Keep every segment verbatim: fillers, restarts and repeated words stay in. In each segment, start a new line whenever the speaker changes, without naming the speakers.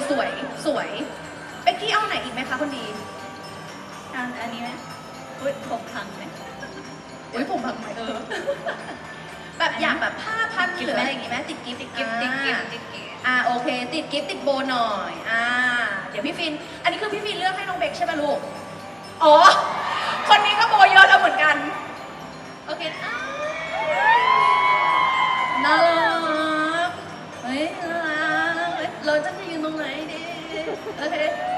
สวยสวยเบกกี้เอาไหนอีกไหมคะคนดี
อันอันนี้ไหมอุ้ยผมพังไหม
อุ้ยผมพังไหมเออ แบบอยากแบบผ้าพันหรืออะไรอย่างงี้ไหมติดกิฟต์
ติดกิฟต์ติดกิฟต์ติดกิฟต์
อ่าโอเค ติดกิฟต์ติดโบหน่อยอ่าเดี๋ยวพี่ฟิน อันนี้คือพี่ฟินเลือกให้น้องเบกใช่ไหมลูกอ๋อคนนี้ก็โบเยอะแล้วเหมือนกันโอเคอ่าน่ารักเฮ้ยน่ารักเฮ้ยเราจะไปยืนตรงไหนดีโอเค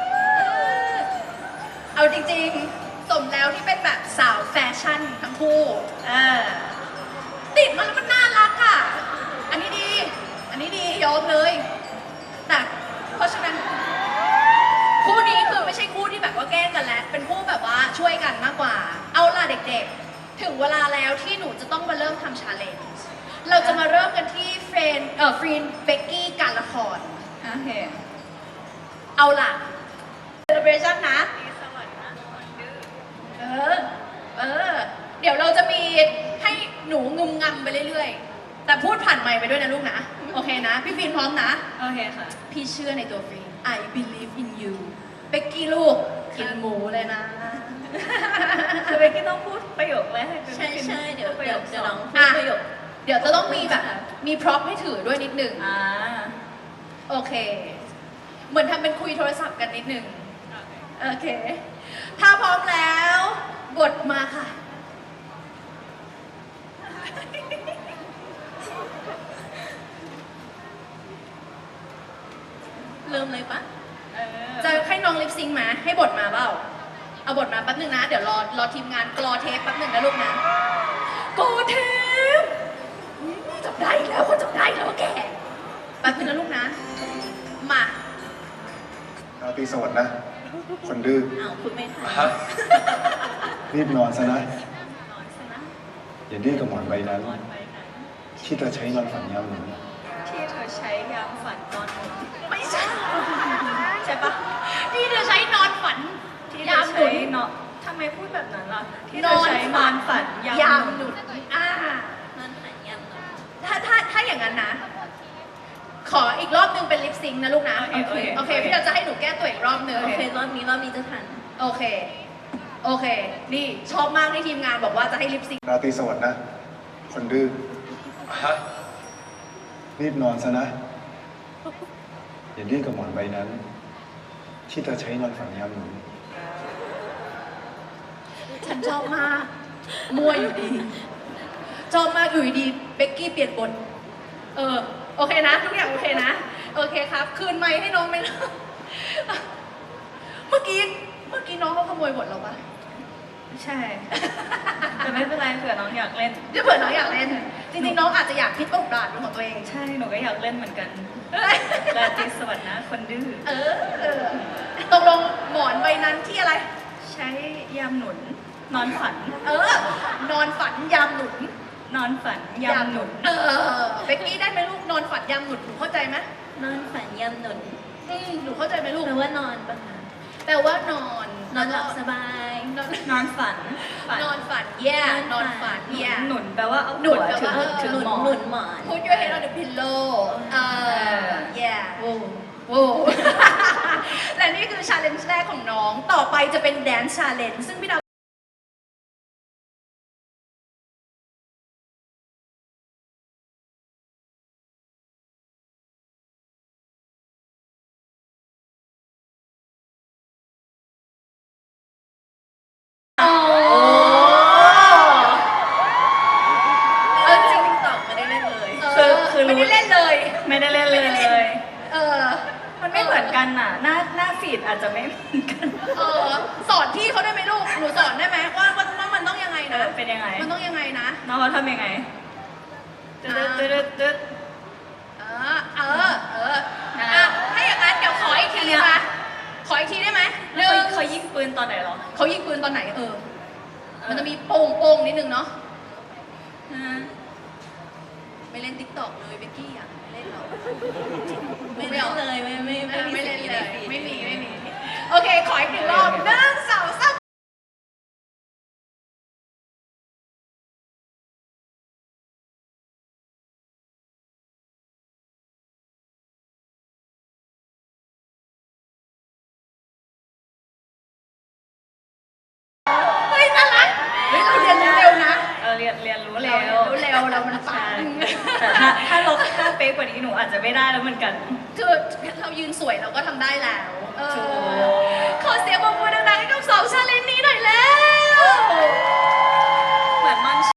เอาจริงๆสมแล้วที่เป็นแบบสาวแฟชั่นทั้งคู่อ่าติดมาแล้วมันน่ารักอ่ะอันนี้ดีอันนี้ดียอมเลยแต่เพราะฉะนั้นคู่นี้คือไม่ใช่คู่ที่แบบว่าแกล้งกันแล้วเป็นคู่แบบว่าช่วยกันมากกว่าเอาล่ะเด็กๆถึงเวลาแล้วที่หนูจะต้องมาเริ่มทำชาเลนจ์เราจะมาเริ่มกันที่เฟรนเอ่อฟรีนเบกกี้การละคร
โอเค
เอาล่ะ celebration นะ
สวัสดีนะคนดื้อ
เออ เออ เดี๋ยวเราจะมีให้หนูงุมงำไปเรื่อยๆ แต่พูดผ่านไมค์ไปด้วยนะลูกนะ โอเคนะ พี่ฟินพร้อมนะ
โอเคค่ะ
พี่เชื่อในตัวฟิน I believe in you เบกกี้ลูก กินหมูเลยนะ
คือเบกกี้ต้องพูดประโยคแรกให้เป็น
ใช่ใช่เดี๋ยว
ประ
เดี๋
โย
ยว
ค
จะ
ส
ล
อ
อง งพูด
อ่ะ
ประโยค
เดี๋ยวจะต้องมีแบบ มีพร็อพให้ถือด้วยนิดหนึ่ง
อ่า
โอเค เหมือนทำเป็นคุยโทรศัพท์กันนิดหนึ่ง โอเค ถ้าพร้อมแล้ว บทมาค่ะ
เริ่มเลยปะ
เออ
จะให้น้องลิปซิงค์มาให้บทมาเปล่า เอาบทมาแป๊บหนึ่งนะ เดี๋ยวรอรอทีมงานกรอเทปแป๊บหนึ่งนะลูกนะกรอเทปอุ๊ยจับได้อีกแล้วคนจับได้อีกแล้วว่าแกแป๊บหนึงนะลูกนะ มา
ราตรีสวัสดิ์นะ คนดื้อ
อ้าวพูดไม่ทัน
ฮะรีบนอนซะนะ
นอนซะนะ
อย่าดื้อกับหมอนใบนั้น
นอนไปไหน
ที่เธอใช้นอนฝันยามหนู
ที่เธอใช้ยามฝันตอนหนุ่ม
ไม่ใช่
ใช่ปะ
ที่เธอใช้นอนฝัน
ที่เธ
ยา
อ
มหนุ
ใช้
น
เนาะทำไมพูดแบบนั้นล่ะ ที่เธอใช้นอนฝันยาม
ยาม
ห
ห
นุ
นุ
น
นอ่า
นอนฝันยามหนอน
ถ้าถ้าถ้าอย่างนั้นนะ ขออีกรอบหนึงเป็นลิปซิงค์นะลูกนะ
โอเคโอเค
โอเค พี่เราจะให้หนูแก้ตัวอีกรอบหนึง
โอเครอบนี้รอบนี้จะทัน
โอเค โอเค นี่ชอบมากที่ทีมงานบอกว่าจะให้ลิปซิงค์
ราตรีสวัสดิ์นะ คนดื้อ
ฮะ
รีบนอนซะนะ อย่าดื้อกับหมอนใบนั้น ที่เธอใช้นอนฝันยามหนู
ฉันชอบมาก มั่วอยู่ดี ชอบมากอยู่ดีเบกกี้เปลี่ยนบท เออ โอเคนะ ทุกอย่างโอเคนะ โอเคครับ คืนไมค์ให้น้องไหมนะ เมื่อกี้ เมื่อกี้น้องเขาขโมยบทเราปะ
ใช่ แต่ไม่เป็นไรเผื่อน้องอยากเล่น
เดี๋ยวเผื่อน้องอยากเล่น จริงๆ น้องอาจจะอยากพลิกบทบาทเป็นของตัวเอง
ใช่หนูก็อยากเล่นเหมือนกัน
เอ้ย
ราตรีสวัสดิ์นะ คนดื้อ
เออเออตกลงหมอนใบนั้นที่อะไร
ใช้ยามหนุน นอนฝัน
เออ นอนฝันยามหนุน
นอนฝันยามหนุน
เออเบกกี้ได้ไหมลูกนอนฝันยามหนุนหนูเข้าใจไหม
นอนฝันยามหนุน
อืมหนูเข้าใจไหมลูก
แปลว่านอนปะคะ
แปลว่านอน
นอนหลับสบาย
นอน
นอนฝันฝัน
นอนฝันแย่นอนฝันแย่
หนุนแปลว่าเอา
หนุน
หัว
แปล
ถึ
ว่าง เออ
ถึง
หนุน
หมอ
หนุ
น
นหมอน
Put your head on the pillow เออ yeah โว้โว้ และนี่คือ challenge แรกของน้อง ต่อไปจะเป็น dance challenge ซึ่งพี่ดาวโอ้เออจริง
ตอบไม่ได้เล่นเลย
เออไม่ได้เล่นเลย
ไม่ได้เล่น
ไม่
เล
ได้เล่น
ย
เออ
มันไม่เหมือนกันน่ะ หน้าหน้าฟีดอาจจะไม่เหมือนกัน
เออสอนพี่เขาได้ไหมลูก หนูสอนได้ไหมว่าว่าว่ามันต้องยังไง
เอ
นะ
อเป็นยังไง
มันต้องยังไงนะ
น้องเขาทำยังไงตึ๊ดตึ๊ดตึ๊ดตึ๊ด
เออ เออ เอออ่ะถ้าอย่างนั้นเดี๋ยวขออีกทีมา ขออีกทีได้ไหมห
แล้ว
นึ่ง
เขาเขายิงปืนตอนไหนเหรอ
เขายิงปืนตอนไหนเออ มันจะมีโป่งโป่งนิดนึงเนาะ
ฮะ
ไม่เล่นติ๊กต็อกเลยเบกกี้อ่ะ ไม่เล่นหรอก
ไม่เล่นเลยไม่ไม่
ไม่
ไม่มี
ไม่เล่น
สิ่ง
เล
ใน
ย
ฟีด
ไม่มี ไม่มี โอเค ขออีกหนึ่งรอบหนึ่งสองสามเรามันปั
ใช่
ง
แต่ถ้าถ้าเราถ้าเป๊ะกว่านี้หนูอาจจะไม่ได้แล้วเหมือนกัน
คือเรายืนสวยเราก็ทำได้แล้วเออ
ถูก
ขอเสียงปรบมือดังๆให้กับสองชาเลนจ์นี้หน่อยแล้ว